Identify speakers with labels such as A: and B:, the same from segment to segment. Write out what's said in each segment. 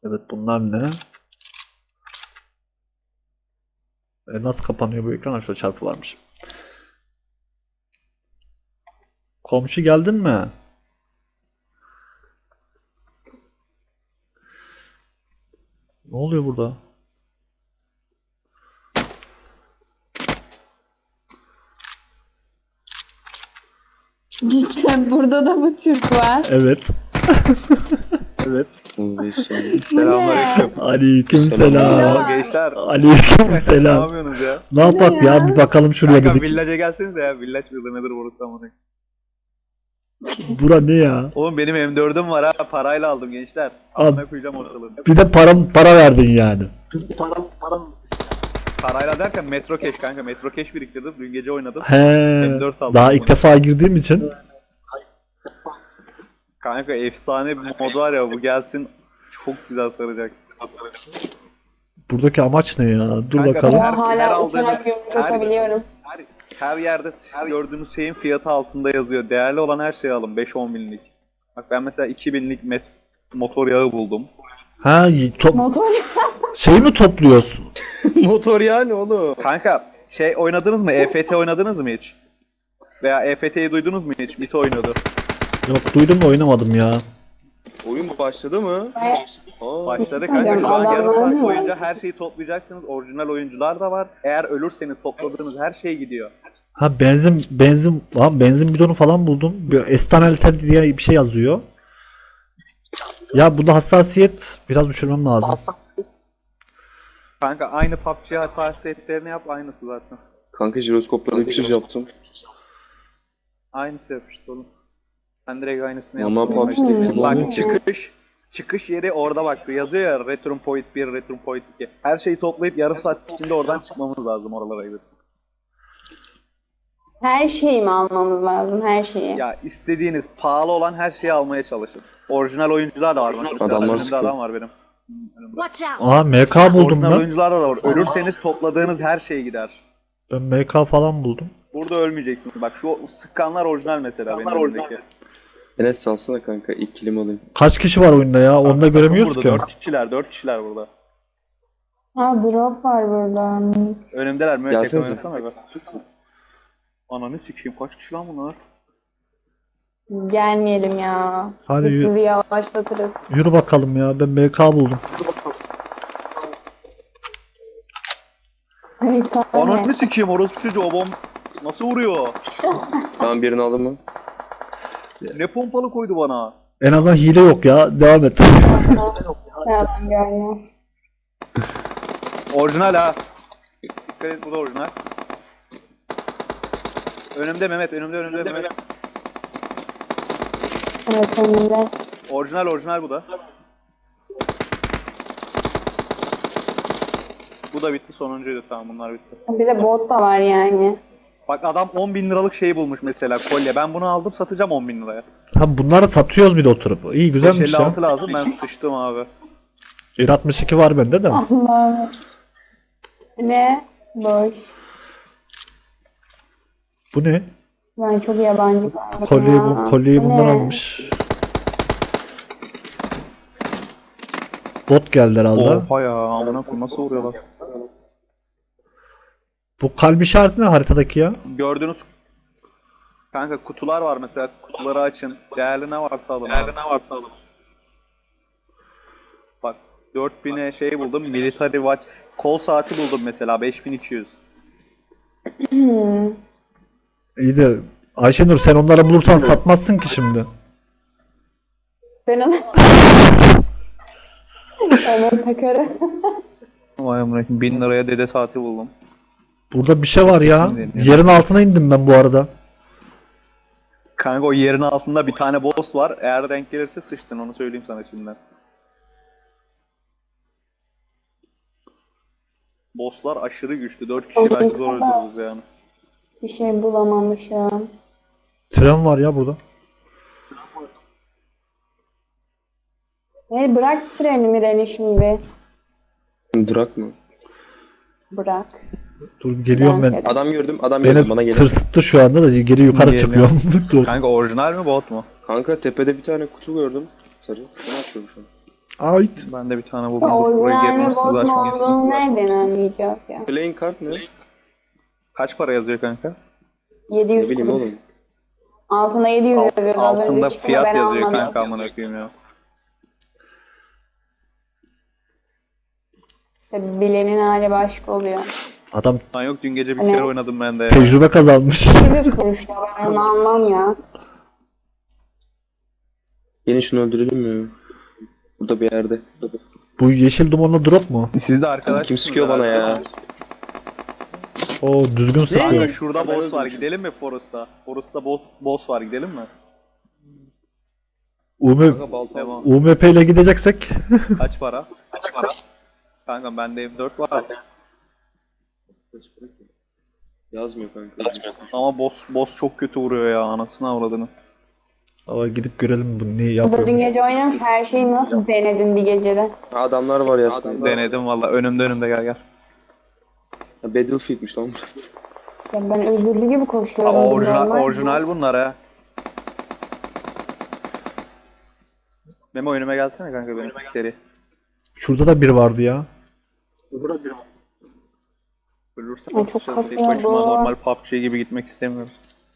A: Evet, bunlar ne? Nasıl kapanıyor bu ekran? Şöyle çarpı varmış. Komşu geldin mi? Ne oluyor burada?
B: Cidden burada da mı Türk var?
A: Evet. Evet.
C: Selamünaleyküm.
A: Aleykümselam.
C: Oo, gençler. Ne
A: Aleykümselam.
C: yapıyorsunuz ya?
A: Ne yapak ya? Bir bakalım şuraya
C: Kanka
A: dedik.
C: village'e gelsenize ya. Village mıdır nedir burası amına?
A: Bura ne ya?
C: Oğlum benim M4'üm var ha. Parayla aldım gençler.
A: Al.
C: Amına koyacağım ortalığı.
A: Bir de para verdin yani.
C: Parayla derken Metro Cash kanka. Metro Cash biriktirdim. Dün gece oynadım.
A: He.
C: M4 aldım.
A: Daha ilk defa girdiğim için.
C: Kanka efsane bir mod var ya. Bu gelsin. Çok güzel saracak.
A: Buradaki amaç ne ya? Dur
C: Kanka,
A: bakalım.
C: her
B: Ben hala
C: aldığınız-
B: uçarak yumruk atabiliyorum.
C: Her yerde gördüğünüz şeyin fiyatı altında yazıyor. Değerli olan her şeyi alın. 5-10 binlik. Bak ben mesela 2000'lik motor yağı buldum.
A: Ha,
B: Motor.
A: şey mi topluyorsun?
D: Motor yani oğlum.
C: Kanka şey oynadınız mı? EFT oynadınız mı hiç? Veya EFT'yi duydunuz mu hiç? Mito oynadı.
A: Yok, duydum da oynamadım ya.
D: Oyun başladı mı? Aa,
C: Başladı
B: şey
C: kanka. Şu an
B: söyleyeceğim,
C: yarım
B: adamlar
C: saat
B: ne
C: boyunca
B: var?
C: her şeyi toplayacaksınız. Orijinal oyuncular da var. Eğer ölürseniz topladığınız her şey gidiyor.
A: Ha, benzin bidonu falan buldum. Bir estanalter diye bir şey yazıyor. Ya bunda hassasiyet biraz düşürmem lazım.
C: Kanka aynı PUBG hassasiyetlerini yap, aynısı zaten.
D: kanka jiroskopları 300 yaptım.
C: Aynısı yapıştı oğlum. Ben direkt aynısını
D: Ama
C: yaptım.
D: PUBG'de
C: Bak çıkış yeri orada bak yazıyor ya Return Point 1, Return Point 2. Her şeyi toplayıp yarım saat içinde oradan çıkmamız lazım oralara gidip.
B: Her şeyi mi almamız lazım? Her şeyi.
C: Ya istediğiniz pahalı olan her şeyi almaya çalışın. Orijinal oyuncular da var. Mesela
D: Adamlar
C: önümde
D: sıkıyor.
C: adam var benim. Önümde.
E: Watch out!
A: Aa, MK buldum
C: Orijinal
A: ben.
C: oyuncular da var. Ölürseniz topladığınız her şey gider.
A: Ben MK falan buldum.
C: Burada ölmeyeceksiniz. Bak şu sıkanlar orijinal mesela benim önümdeki.
D: Enes salsana kanka ilk kilim alayım.
A: Kaç kişi var oyunda ya? Onu da göremiyoruz
C: burada,
A: ki.
C: 4 kişiler burada.
B: Ha, drop var burada.
C: Önümdeler mi? Tek
D: Gelsenize.
C: oynasana be. Ananı sikeyim kaç kişi lan bunlar?
B: Gelmeyelim ya.
A: Hadi
B: Biz
A: yürü.
B: sizi yavaşlatırız.
A: Yürü bakalım ya. Ben MK buldum.
B: Evet, tamam.
C: Ananı sikeyim orospu çocuğu o bomb nasıl vuruyor?
D: Tamam birini aldın mı?
C: Ne pompalı koydu bana?
A: En azından hile yok ya. Devam et.
B: Ya, ben gelmem.
C: Orijinal ha. Dikkat et bu da orijinal. Önümde Mehmet, önümde Mehmet.
B: Evet, önümde.
C: Orijinal bu da. Bu da bitti, sonuncuydu, tamam bunlar bitti.
B: Bir de bot da var yani.
C: Bak adam 10 bin liralık şey bulmuş mesela kolye. Ben bunu aldım satacağım 10 bin liraya.
A: Ha, bunları satıyoruz bir de oturup. İyi, güzelmiş ya.
C: 556 lazım, ben sıçtım abi.
A: 1.62 var bende de.
B: Allah'ım. Ve boş.
A: Bu ne?
B: Ben çok yabancı kaldım
A: Kolyeyi
B: ya.
A: bundan
B: Ne?
A: almış. Bot geldi herhalde.
C: Oha ya, amına koyayım nasıl vuruyorlar?
A: Bu kalp işareti ne haritadaki ya?
C: Gördüğünüz kanka kutular var mesela, kutuları açın. Değerli ne varsa alın. Bak 4000'e şey buldum, military watch. Kol saati buldum mesela 5200.
A: İyi de Ayşenur, sen onları bulursan satmazsın ki şimdi.
B: Ben onu... Onu takarım.
C: Vay amına koyayım 1000 liraya dede saati buldum.
A: Burada bir şey var ya. Yerin altına indim ben bu arada.
C: Kanka o yerin altında bir tane boss var. Eğer denk gelirse sıçtın, onu söyleyeyim sana şimdiden. Bosslar aşırı güçlü. 4 kişi belki zor öldürürüz yani.
B: Bir şey bulamamışım.
A: Tren var ya burada.
B: Bırak treni Mireni şimdi.
D: Durak mı?
B: Bırak.
A: Dur geliyorum ben.
D: Adam gördüm bana
A: Beni
D: gelin.
A: tırsıttı şu anda da geri yukarı
C: Geliyor.
A: çıkıyorum. Dur.
C: Kanka orijinal mi bot mu?
D: Kanka tepede bir tane kutu gördüm. Sarı. Onu açıyorum şu an.
A: Ait.
C: Ben de bir tane buldum. Buraya
B: Orijinal mi
C: gelmezsiniz
B: bot mu
C: açmayın.
B: olduğunu nereden anlayacağız ya?
D: Playing card ne?
C: Kaç para yazıyor kanka?
B: 700
D: Ne bileyim
B: kuruş.
D: oğlum.
B: Altına 700 yazıyordu az
C: Altında
B: önce çıktı da
C: fiyat
B: ben
C: yazıyor
B: almadım.
C: kanka amına koyayım ya.
B: İşte bilenin hali başka oluyor.
A: Adam
C: Lan yok dün gece bir
B: Ne?
C: kere oynadım ben de ya.
A: tecrübe kazanmış.
B: 700 kuruş da ben onu almam ya.
D: Yine şunu öldürelim mi? Burada bir yerde.
A: Bu yeşil dumanla drop mu?
C: Siz de arkadaş
D: Kim sıkıyor bana ya?
A: O düzgün
C: Kanka
A: sıkıyor.
C: şurada boss var gidelim mi Forest'ta? Forest'ta boss var gidelim mi?
A: UM,
D: balta
C: Devam.
A: UMP ile gideceksek
C: Kaç para? Kaç para? Kanka bende M4 var.
D: Yazmıyor kanka.
C: Ama boss çok kötü vuruyor ya anasını avradını.
A: ama gidip görelim bu ne
B: Bu da dün
A: yapıyormuş.
B: gece oynamış her şeyi nasıl denedin bir gecede?
D: Adamlar var ya aslında.
C: Denedim valla önümde gel.
D: Ha, Battlefield'miş lan burası.
B: Ya ben özürlü gibi koşuyorum.
C: Aa,
B: bu
C: orijinal,
B: normal.
C: orijinal bunlar ha. Memo önüme gelsene kanka benim seri.
A: Şurada da bir vardı ya.
C: Ölürsem
B: Ay, çok
C: atacağız. Tek
B: kasıyor
C: başıma
B: bu.
C: normal PUBG gibi gitmek istemiyorum.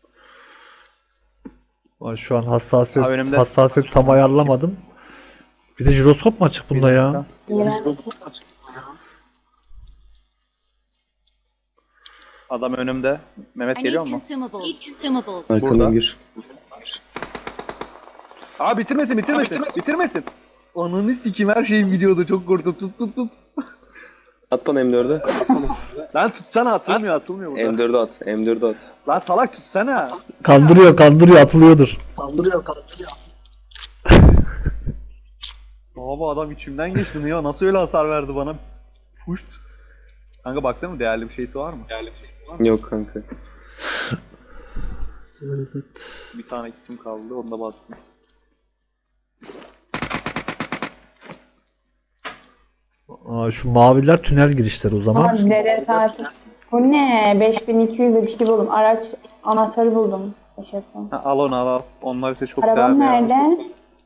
A: Ay, şu an hassasiyet,
C: Ha, önümde.
A: hassasiyet tam ayarlamadım. Bir de jiroskop mu açık bunda ya?
B: İğrenç.
C: Adam önümde. Mehmet
E: I
C: geliyor
E: need
C: mu?
E: consumables.
D: Arkadan
C: Burada.
D: gir.
C: Aa bitirmesin. Ananı sikim her şeyim gidiyordu çok korktum tut.
D: At bana M4'e.
C: Lan tutsana atılmıyor burada.
D: M4'e at. M4'e at.
C: Lan salak tutsana.
A: Kandırıyor atılıyordur.
C: Abi adam içimden geçti mi ya nasıl öyle hasar verdi bana? Puşt. Kanka baktın mı değerli bir şeysi var mı?
D: Yok kanka.
C: Bir tane kitim kaldı onu da bastım.
A: Aa, şu maviler tünel girişleri o zaman.
B: Abi dede tatil. Bu ne? 5200'de bir şey buldum. Araç anahtarı buldum. Yaşasın.
C: Ha, al onu al. Onlar ise çok
B: Arabam
C: değerli ya.
B: nerede?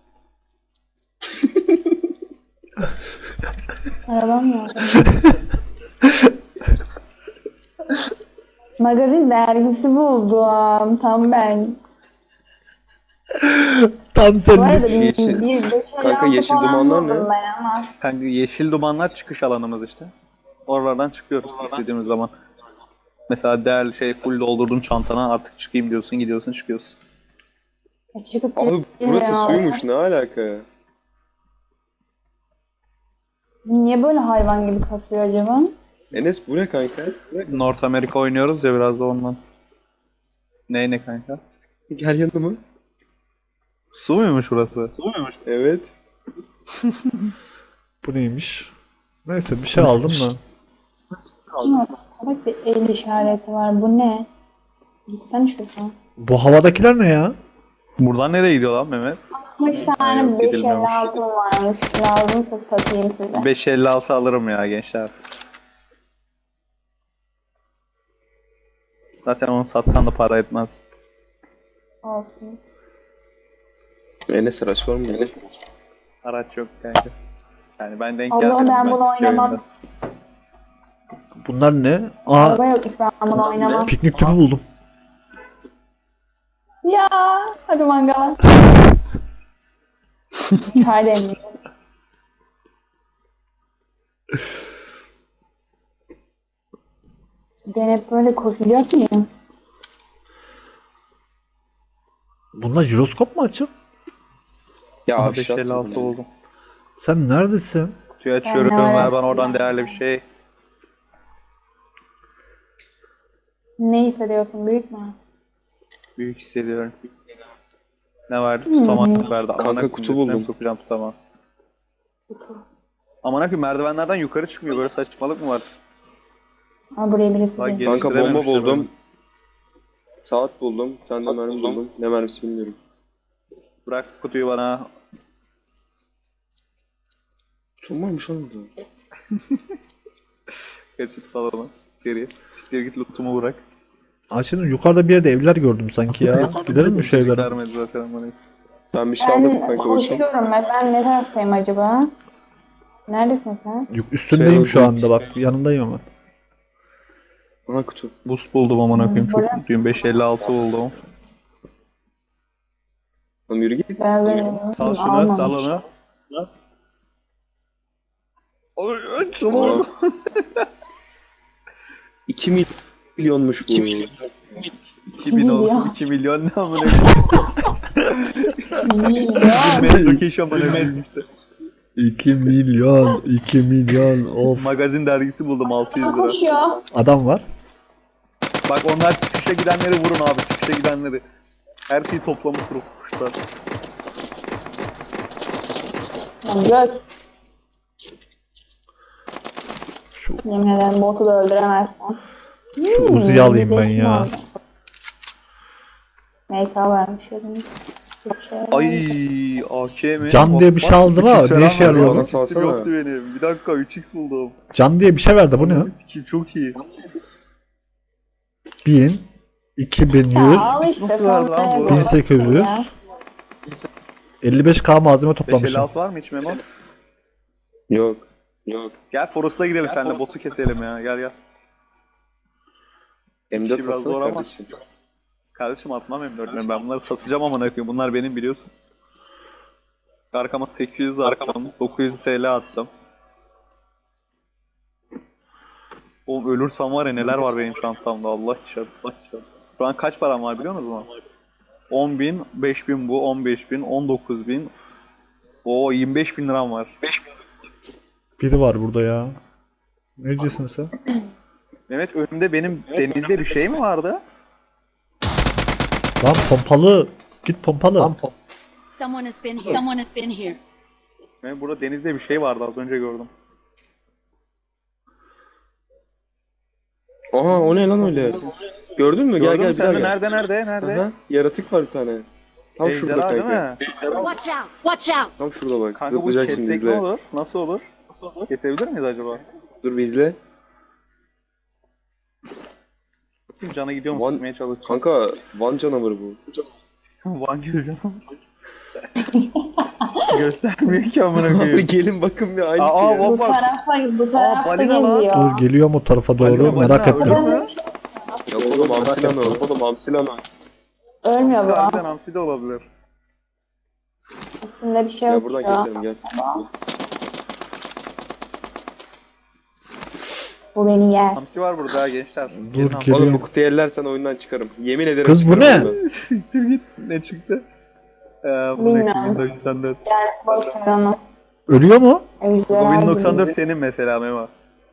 B: Arabam nerede? Magazin dergisi buldum. Tam ben.
A: Tam
B: Bu
A: senin.
B: arada
D: Yeşil-
B: bir
D: Kanka, yeşil
B: falan
D: dumanlar
B: buldum
D: ne?
B: ben ama.
C: Kanka yeşil dumanlar çıkış alanımız işte. Oralardan çıkıyoruz istediğimiz zaman. Mesela değerli şey full doldurdun çantana artık çıkayım diyorsun gidiyorsun çıkıyorsun.
B: Çıkıp
D: Abi burası
B: ya.
D: suymuş ne alaka?
B: Niye böyle hayvan gibi kasıyor acaba?
D: Enes bu ne kanka?
C: North Amerika oynuyoruz ya biraz da ondan. Ne kanka?
D: Gel yanıma.
C: Su muymuş burası?
D: Evet.
A: Bu neymiş? Neyse bir şey aldım da.
B: Nasıl salak bir el işareti var. Bu ne? Gitsene şuradan.
A: Bu havadakiler ne ya?
C: Buradan nereye gidiyor lan Mehmet?
B: 60
C: yok,
B: tane
C: gidilmiyormuş.
B: 556 varmış. Lazımsa satayım size.
C: 556 alırım ya gençler. Zaten onu satsan da para etmez.
B: Olsun.
D: Enes araç var mı?
C: Araç yok kanka. Yani ben denk
B: Allah'ım
C: gelmedim.
B: ben bunu
C: iki
B: oynamam.
C: oyunda.
A: Bunlar ne? Aa,
B: Araba yokmuş ben bunu oynamam.
A: piknik tüpü buldum.
B: Ya hadi mangala. Çay demliyorum. Ben hep böyle koşacak mıyım?
A: Bunlar jiroskop mu açık?
D: Ya
C: Aha,
D: abi şey
C: 556 oldum.
A: Sen neredesin?
C: Kutuyu açıyorum
B: Ben de
C: ver
B: var.
C: bana oradan değerli bir şey.
B: Ne hissediyorsun büyük mü?
C: Büyük hissediyorum. Ne verdi? Tutamadım verdi. Aman
D: Kanka,
C: akım,
D: kutu
C: götüne mi
D: buldum.
C: sokacağım tutamam. Aman akım merdivenlerden yukarı çıkmıyor böyle saçmalık mı var?
B: Aa buraya birisi
C: Bak,
B: geldi.
D: Kanka bomba
C: Geliştirememişler
D: buldum.
C: onu.
D: Saat buldum. Bir tane de mermi buldum. Ne mermisi bilmiyorum.
C: Bırak kutuyu bana.
D: Çok varmış lan burada.
C: Gerçek salona. Seri. Siktir git lootumu bırak.
A: Aa, şimdi yukarıda bir yerde evler gördüm sanki ya. Gidelim mi şu evlere?
C: Vermedi zaten bana.
D: Ben bir şey aldım
B: Ben
D: kanka bakayım.
B: koşuyorum ben. Ben ne taraftayım acaba? Neredesin sen?
A: Üstündeyim şu
D: Şey,
A: anda bak. Yanındayım hemen.
D: Ana kutu.
C: Boost buldum amına koyayım. Çok
B: Böyle-
C: mutluyum. 556 buldum.
D: Lan yürü git.
B: Ben de
C: Sal şunu,
B: almamış.
C: sal onu. Ay, şunu oldu.
D: 2 milyonmuş bu.
C: 2000 oldu.
B: milyon.
C: 2 milyon ne amına
B: Milyon.
C: koyayım. Metrokeş amına koyayım işte.
A: 2 milyon. 2 milyon. Of.
C: Magazin dergisi buldum 600 lira.
B: Koşuyor.
A: Adam var.
C: Bak onlar çıkışa gidenleri vurun abi. Çıkışa gidenleri. Her şeyi toplamış kuşlar.
B: Göt.
A: Şu,
B: Yemin ederim botu da öldüremezsen.
A: şu Uzi'yi alayım ben
B: Birleşim
A: ya.
B: oldu. MK varmış elimde. Bir şey var.
C: Ay AK mi?
A: Can diye bir şey aldım ha,
C: 3x
A: ne
C: falan
A: işe
C: var.
A: yarıyor
C: Bana
D: bu?
C: salsana. Yoktu benim. Bir dakika 3x buldum.
A: Can diye bir şey verdi. Bu ne?
C: Kim çok iyi.
A: 1000. 2100.
B: Ya al işte
C: Nasıl verdi
B: sonra
C: lan bu?
B: yazalım
A: 1800.
B: ya.
A: 55k malzeme toplamışım.
C: 556 var mı hiç Memo?
D: Yok. Yok.
C: Gel Forest'a gidelim seninle botu keselim ya. Gel gel.
D: M4
C: biraz zor
D: alsana
C: ama.
D: kardeşim.
C: Kardeşim atmam M4'leri. Ben bunları satacağım amına koyayım. Bunlar benim biliyorsun. Arkama 800 attım. 900 TL attım. Oğlum ölürsem var ya neler var benim çantamda Allah çarpsın. Şu an kaç param var biliyor musunuz? 10.000, 5.000 bu, 15.000, 19.000. Oo 25.000 liram var.
A: Biri var burada ya. Ne diyorsun sen?
C: Mehmet önümde benim denizde bir şey mi vardı?
A: Lan pompalı. Git pompalı.
E: Someone has been here. Someone has been here.
C: Mehmet burada denizde bir şey vardı az önce gördüm.
D: Aha o ne lan öyle? Gördün mü? Gel
C: Gördün
D: gel
C: mü
D: bir
C: sen
D: daha
C: de
D: gel.
C: nerede?
D: Aha, yaratık var bir tane. Tam şurada
C: Ejderha değil
D: kanka.
C: mi?
E: Watch out! Watch out!
D: Tam şurada bak.
C: Kanka bu
D: Zıplayacak şimdi
C: kessek ne
D: izle.
C: olur? Nasıl olur? Kesebilir miyiz acaba?
D: Dur bir izle.
C: Cana gidiyor mu
D: Van-
C: sıkmaya çalışacağım.
D: Kanka Van canavarı bu.
C: Van gireceğim. Göstermiyor ki amına
D: Abi
C: koyayım.
D: gelin bakın bir aynısı
C: Aa,
D: ya.
C: bak.
B: Bu tarafta
C: balina lan.
B: geziyor.
A: Dur geliyorum o tarafa doğru.
C: Balina,
A: Merak
C: balina,
A: ettim.
C: öldü mü?
D: Yok oğlum hamsi lan o. Oğlum hamsi lan o.
B: Ölmüyor bu.
C: Harbiden hamsi de olabilir.
B: Üstünde bir şey
D: Ya
B: yok
D: buradan
B: şu an.
D: keselim gel.
B: Bu beni yer.
C: Hamsi var burada ha gençler.
A: Dur,
C: Gelin
A: gel.
C: hamsi.
D: Oğlum
A: Geliyorum.
D: bu kutuyu ellersen oyundan çıkarım. Yemin ederim
A: Kız bu
D: çıkarım
A: ne?
D: oyundan.
C: Siktir git. Ne çıktı? Bu
B: Bilmiyorum.
C: 1094.
B: Boş ver onu.
A: Ölüyor mu?
C: Bu
B: Ejderha
C: 1094
B: gibi.
C: senin mesela Memo.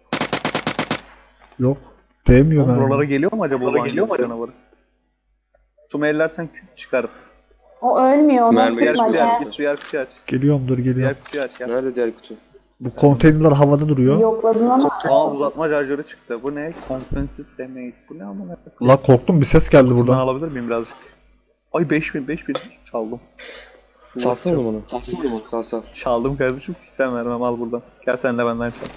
A: Yok. Değmiyor
C: Oğlum buralara
A: ben.
C: geliyor mu acaba? Buralara geliyor mu canavarı? Tüm ellersen çıkar.
B: O ölmüyor. O
D: Mermi
B: nasıl
C: Diğer
B: bir
C: kutuyu
B: bacak?
C: aç. Git diğer kutuyu aç.
A: Geliyorum dur geliyorum.
C: Diğer kutuyu aç. Gel.
D: Nerede diğer kutu?
A: Bu konteynerler havada duruyor.
B: Yokladın ama.
C: Aa uzatma şarjörü çıktı. Bu ne? Compensate damage. Bu ne amına?
A: La korktum bir ses geldi
C: Buradan
A: buradan.
C: alabilir miyim birazcık? Ay 5000 çaldım.
D: Salsana onu bana. Salsana onu bana. Sal sal.
C: Çaldım kardeşim sistem vermem al buradan. Gel sen de benden çal.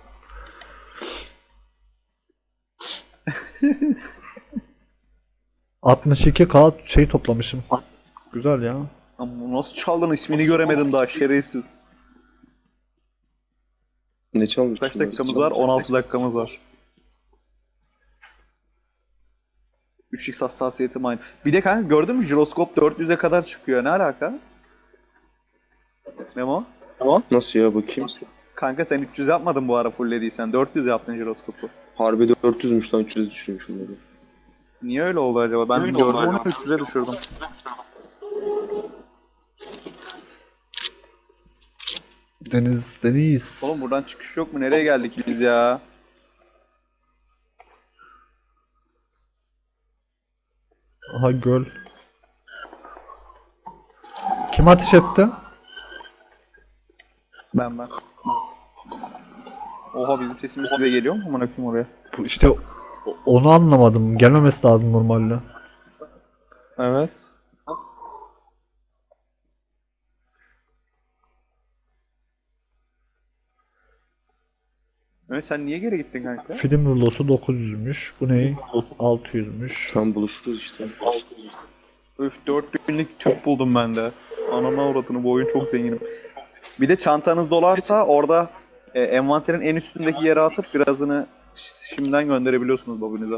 A: ...62k şey toplamışım. Güzel ya.
C: Ama nasıl çaldın ismini göremedim daha şerefsiz.
D: Ne çalmış?
C: Kaç dakikamız var? 16 dakikamız var. 3x hassasiyetim aynı. Bir de kanka gördün mü jiroskop 400'e kadar çıkıyor. Ne alaka? Memo?
D: Nasıl ya bakayım?
C: Kanka sen 300 yapmadın bu ara fulllediysen. 400 yaptın jiroskopu.
D: Harbi 400'müş lan 300'e düşürmüş onları.
C: Niye öyle oldu acaba? Ben gördüm onu 300'e düşürdüm.
A: Deniz.
C: Oğlum buradan çıkış yok mu? Nereye geldik biz ya?
A: Aha göl. Kim ateş etti?
C: Ben. Oha bizim sesimiz size geliyor mu? Amına koyayım oraya.
A: Bu işte onu anlamadım. Gelmemesi lazım normalde.
C: Evet. Evet sen niye geri gittin kanka?
A: Film rulosu 900'müş. Bu ne? 600'müş.
D: Tam buluşuruz işte.
C: Öf 4000'lik tüp buldum ben de. Anana avradını bu oyun çok zenginim. Bir de çantanız dolarsa orada Envanterin en üstündeki yere atıp birazını şimdiden gönderebiliyorsunuz babinize.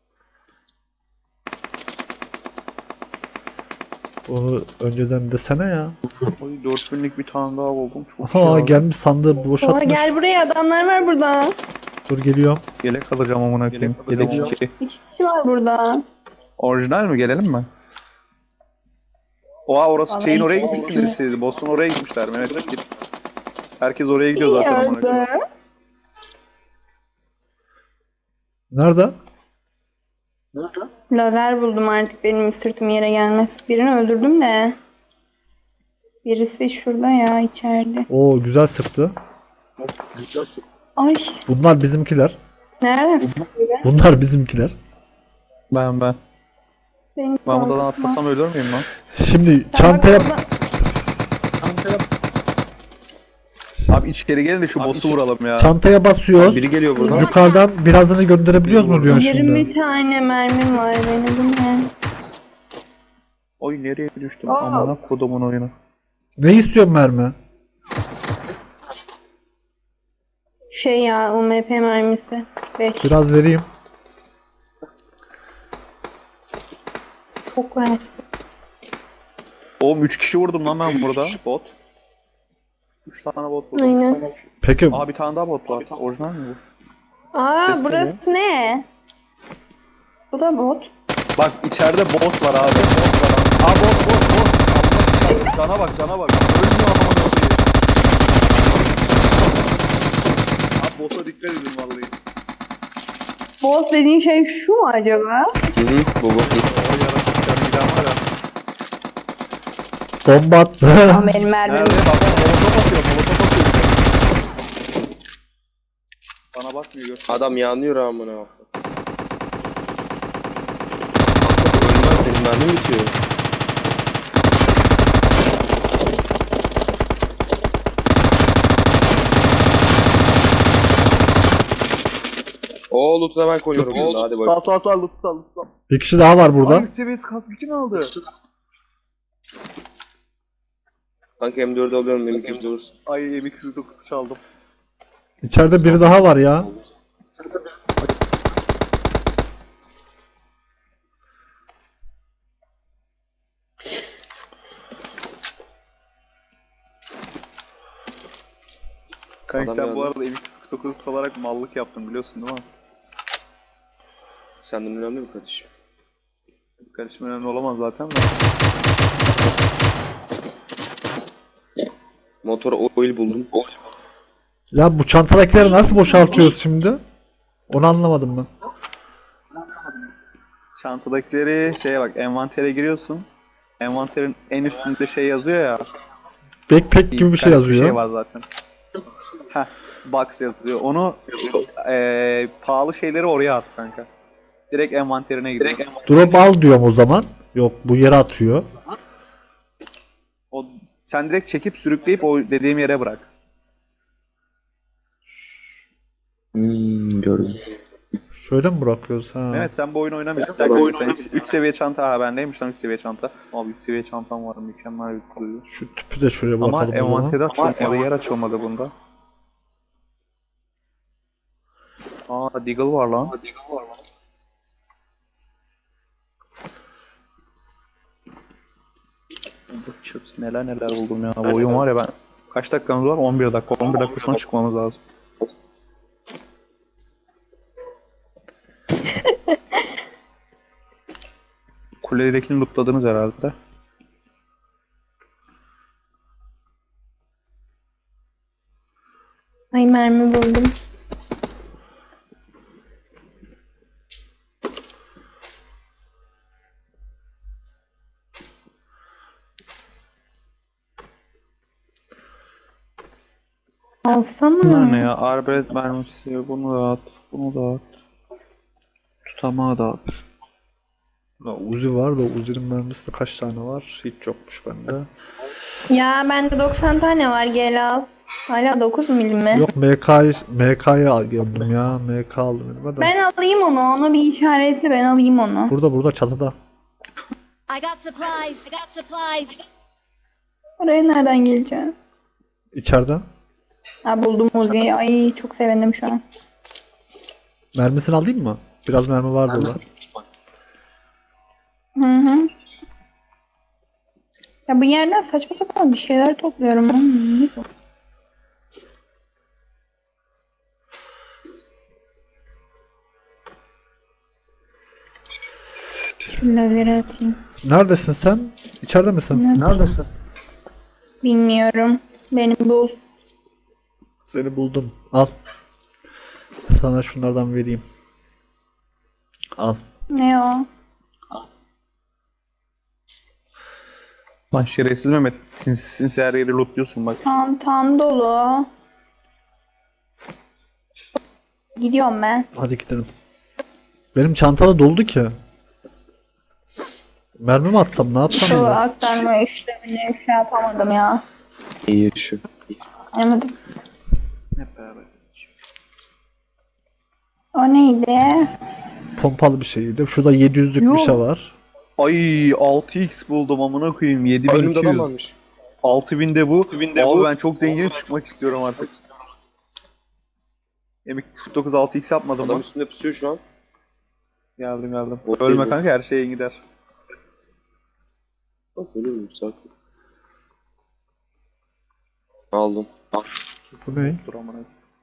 A: Onu önceden desene ya.
C: Oy 4000'lik bir tane daha buldum. Çok
A: Aha
C: iyi abi.
A: gelmiş sandığı
B: Oha,
A: boşaltmış.
B: gel buraya, adamlar var burada.
A: Dur geliyorum.
C: Yelek alacağım amına koyayım. Yelek 2.
B: 2 kişi var burada.
C: Orijinal mi? Gelelim mi? Oha orası
B: Vallahi
C: şeyin oraya
B: çok
C: gitmişsiniz
B: iyi.
C: siz. Boss'un oraya gitmişler. Mehmet git. Herkes oraya gidiyor
B: İyi
C: zaten amına koyayım.
B: öldü.
A: Nerede?
B: Lazer buldum, artık benim sırtım yere gelmez. Birini öldürdüm de. Birisi şurada ya, içeride.
A: Oo güzel sıktı.
B: Ay,
A: Bunlar bizimkiler.
B: nereden sıkıyor?
A: Bunlar bizimkiler.
C: Ben.
B: Benim
C: Ben buradan
B: korkma.
C: atlasam ölür müyüm lan?
A: Şimdi
B: Bak
A: çantaya
B: orada-
C: Abi içeri gelin de şu boss'u vuralım ya.
A: çantaya basıyoruz.
D: Biri geliyor buradan.
A: Yukarıdan birazını gönderebiliyoruz mu diyorsun
B: 20
A: şimdi?
B: tane mermim var benim, bu ne?
C: Oy nereye düştüm?
B: Aa.
C: Amına kodumun oyunu.
A: Ne istiyorsun mermi?
B: Şey ya, UMP mermisi. 5.
A: Biraz vereyim.
B: Çok var.
C: Oğlum 3 kişi vurdum lan ben burada. Bot. 3 tane bot vurdum.
B: Aynen.
A: Peki
C: Aa bir tane daha bot var. Orijinal mi bu?
B: Aa,
C: Ses
B: burası ne? Bu da bot.
C: Bak içeride boss var abi. Boss var abi. Aa boss. Allah cana bak cana bak. Ölmüyor amına koyayım. Abi boss'a dikkat edin vallahi.
B: Boss dediğin şey şu mu acaba?
D: Hı, bu.
C: O yaratık canı giden var ya.
A: bomba attı.
B: Ama benim mermim.
C: Nerede? Bak molotof atıyor. Molotof atıyor. Bana bakmıyor gör.
D: Adam yanıyor amına. Ölmez, benim mermim bitiyor. Oo loot'una ben koyuyorum bunu. Hadi bak.
C: Sağ lütfen sağ.
A: Bir kişi daha var burada.
C: Ay seviyesi kaskı kim aldı?
D: Kanka M4'ü alıyorum, benim kimse olursun.
C: Ay M209 çaldım.
A: İçeride biri daha var ya.
C: Kanka
D: Adam
C: sen bu
D: yandı.
C: arada M209 çalarak mallık yaptın biliyorsun değil mi?
D: Senden önemli mi kardeşim?
C: Karışım önemli olamaz zaten de.
D: Motora oil buldum.
A: Ya bu çantadakileri nasıl boşaltıyoruz şimdi? Onu anlamadım ben.
C: Çantadakileri şeye bak envantere giriyorsun. Envanterin en üstünde şey yazıyor ya.
A: Backpack gibi bir şey
C: tane Bir
A: yazıyor.
C: şey var zaten. Heh, box yazıyor. Onu pahalı şeyleri oraya at kanka. Direkt envanterine gidiyor.
A: Drop al diyorum o zaman. Yok bu yere atıyor.
C: O, sen direkt çekip sürükleyip o dediğim yere bırak.
D: Gördüm.
A: Şöyle mi bırakıyoruz ha?
C: Evet sen bu oyunu oynamayacaksın. Sen 3 seviye çanta ha bendeymiş lan 3 seviye çanta. Abi 3 seviye çantam var mükemmel bir duygu.
A: Şu tüpü de şuraya
C: Ama
A: bırakalım o zaman.
C: envanteri açılmadı, yer açılmadı bunda. Aa Deagle var lan. Bu chips neler buldum ya. Bu oyun var ya ben. Kaç dakikamız var? 11 dakika. 11 dakika sonra çıkmamız lazım. Kuledekini lootladınız herhalde.
B: Ay, mermi buldum. Alsana.
C: Bunlar ne ya? Arbelet mermisi. Bunu da at. Bunu da at. Tutamağı da at.
A: Ya Uzi var da Uzi'nin mermisi de kaç tane var? Hiç yokmuş bende.
B: Ya bende 90 tane var, gel al. Hala 9 milim mi?
A: Yok MK'yı aldım ya. MK aldım elime de.
B: Ben alayım onu. Onu bir işaretle, ben alayım onu.
A: Burada çatıda.
E: I got supplies. I got supplies.
B: Oraya nereden geleceğim?
A: İçeride.
B: Ha, buldum Uzi'yi. Ay çok sevindim şu an.
A: Mermisini alayım mı? Biraz mermi var burada.
B: Hı hı. Ya bu yerden saçma sapan bir şeyler topluyorum. Ne bu? Şu lazeri atayım.
A: Neredesin sen? İçeride misin?
B: Neredesin? Bilmiyorum. Beni bul.
A: Seni buldum. Al. Sana şunlardan vereyim. Al.
B: Ne o?
C: Lan şerefsiz Mehmet. Sinsi her yeri lootluyorsun bak.
B: Çantam dolu. Gidiyorum ben.
A: Hadi gidelim. Benim çantada doldu ki. Mermi mi atsam ne yapsam
B: Şu
A: ya?
B: aktarma işlemini şey yapamadım ya.
D: İyi şu.
B: Anlamadım.
C: Hep beraber.
B: O neydi?
A: Pompalı bir şeydi. Şurada 700'lük bir şey var.
C: Ay 6x buldum amına koyayım.
D: Önümde adam
C: 7200.
D: varmış.
C: 6000 de bu. Abi ben çok zenginim, çıkmak istiyorum artık. M249 6x yapmadım
D: Adam
C: mı?
D: üstünde pusuyor şu an.
C: Geldim.
D: O
C: Ölme
D: değil bu.
C: kanka, her şeye gider.
D: Bak ölüyor muyum sakin. Aldım.
A: Bu ne?
C: Dur amına.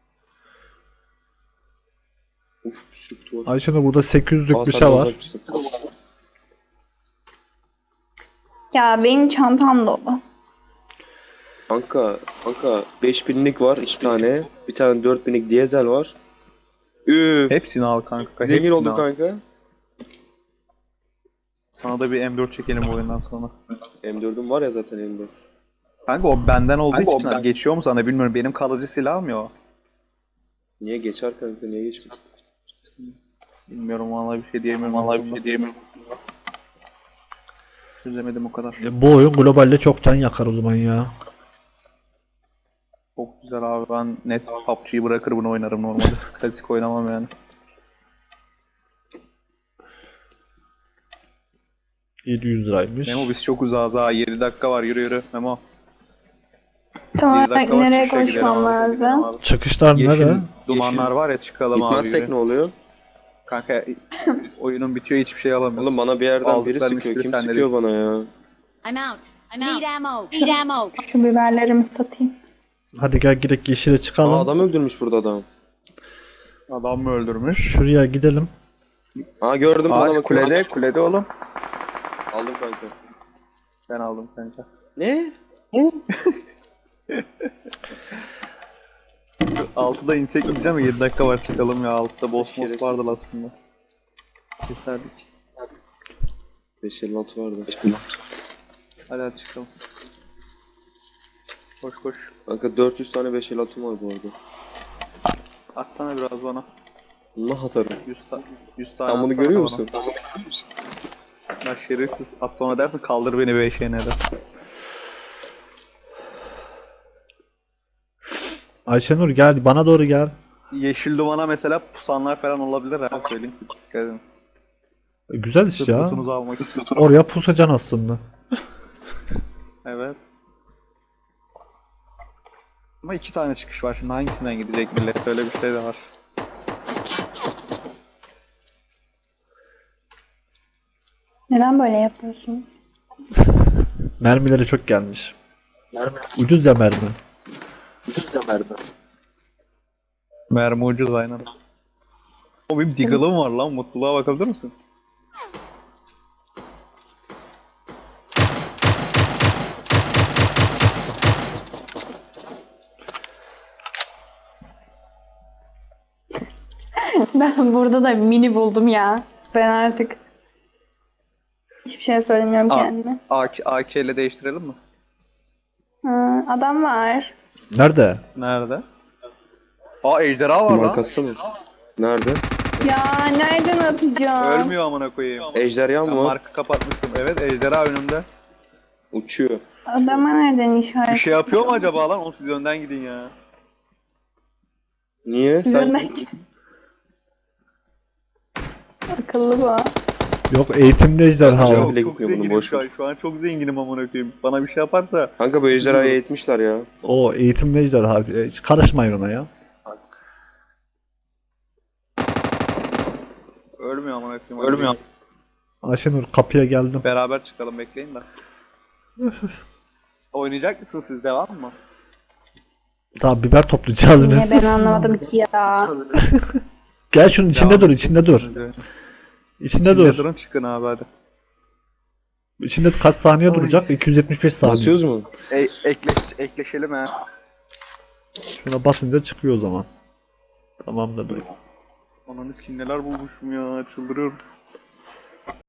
D: Uf bir sürü kutu var.
A: Ayşe'nin burada 800'lük bir
D: Aa,
A: şey
D: sen
A: var.
D: uzakmışsın.
B: Ya benim çantam dolu.
D: Kanka 5000'lik var 2 tane. Bir tane 4000'lik dizel var. Üf.
C: Hepsini al kanka.
D: Zengin
C: hepsini
D: oldum
C: al.
D: kanka.
C: Sana da bir M4 çekelim bu oyundan sonra.
D: M4'üm var ya zaten elimde.
C: Kanka o benden olduğu için geçiyor mu sana bilmiyorum. Benim kalıcı silahım ya o.
D: Niye geçer kanka niye geçmez?
C: Bilmiyorum, vallahi bir şey diyemiyorum. Çözemedim o kadar.
A: Bu oyun globalde çok can yakar o zaman ya.
C: Çok güzel abi, ben net PUBG'yi bırakır bunu oynarım normalde. Klasik oynamam yani.
A: 700 liraymış.
C: Memo biz çok uzağız ha, 7 dakika var, yürü Memo.
B: Tam
C: 7
B: olarak
C: dakika var,
B: nereye
C: çıkışa gidelim
B: koşmam
C: abi.
B: lazım?
A: Çıkışlar
C: Yeşil
A: nerede?
C: dumanlar var ya, çıkalım abi,
D: Gitmezsek
C: yürü.
D: ne oluyor?
C: Kanka oyunun bitiyor, hiçbir şey alamıyoruz.
D: Oğlum bana bir yerden biri
C: Aldıkların
D: sıkıyor.
C: hiçbiri
D: Kim
C: sende
D: sıkıyor
C: değil.
D: bana ya?
E: I'm out. Need ammo. Need ammo.
B: Şu biberlerimi satayım.
A: Hadi gel gidelim yeşile çıkalım.
D: Aa adam öldürmüş burada adam.
C: Adam mı öldürmüş?
A: Şuraya gidelim.
D: Aa gördüm bana
C: Ağaç
D: bakıyor.
C: kulede oğlum.
D: Aldım kanka.
C: Ben aldım kanka.
D: Ne?
C: 6'da insek gideceğim ya, 7 dakika var, çıkalım ya. 6'da boss
D: Şerefsiz.
C: vardı aslında. Keserdik.
D: 556 vardı.
C: Hadi çıkalım. Koş.
D: Kanka 400 tane 556 var bu arada.
C: Atsana biraz bana.
D: Allah atarım.
C: 100 tane
D: Sen bunu
C: atsana
D: görüyor
C: bana.
D: musun?
C: Bak şerefsiz. Az sonra dersin kaldır beni 5'e ne de.
A: Ayşenur gel bana doğru gel.
C: Yeşil dumana mesela pusanlar falan olabilir ha, söyleyeyim size. Dikkat edin.
A: Güzel iş
C: Sırf
A: ya.
C: kutunuzu almak için.
A: Oraya pusacaksın aslında.
C: Evet. Ama 2 tane çıkış var, şimdi hangisinden gidecek millet, öyle bir şey de var.
B: Neden böyle yapıyorsun?
A: Mermileri çok gelmiş. Ucuz ya mermi.
C: Mermi ucuz aynen. O benim Deagle'ım var lan, mutluluğa bakabilir misin?
B: Ben burada da mini buldum ya. Ben artık hiçbir şey söylemiyorum
C: Aa.
B: kendime.
C: AK ile değiştirelim mi?
B: Ha, adam var.
A: Nerede?
C: Nerede? Aa ejderha var lan.
D: Markası mı? Nerede?
B: Ya nereden atacağım?
C: Ölmüyor amına koyayım.
D: Ejderha
C: Ben
D: mı var?
C: markı kapatmıştım. Evet, ejderha önümde.
D: Uçuyor.
B: Adama nereden işaret?
C: Bir şey yapıyor mu acaba lan? Oğlum siz önden gidin ya.
D: Niye?
B: Siz
D: Sen
B: önden gidin. Akıllı bu.
A: Yok eğitimli ejderha
D: Acaba
A: o.
D: bile
C: Çok
D: gitmiyor bunun,
C: zenginim
D: boş
C: şu an.
D: ver.
C: Şu an çok zenginim amına koyayım. Bana bir şey yaparsa
D: Kanka bu ejderhayı eğitmişler ya.
A: O eğitimli ejderha. Hiç karışmayın ona ya.
C: ölmüyor amına koyayım. Ölmüyor.
A: Ayşenur kapıya geldim.
C: Beraber çıkalım, bekleyin de. Oynayacak mısın siz, devam mı?
A: Tamam biber toplayacağız
B: Niye
A: biz.
B: ben anlamadım ki ya.
A: Gel şunun içinde
C: Devam.
A: dur, içinde dur. İçinde
C: İçinde
A: dur.
C: durun, çıkın abi hadi.
A: İçinde kaç saniye duracak? 275 saniye.
D: Basıyoruz mu?
C: Ekleşelim ha.
A: Şuna basınca çıkıyor o zaman. Tamamdır.
C: Ananı kim neler bulmuşum ya, çıldırıyorum.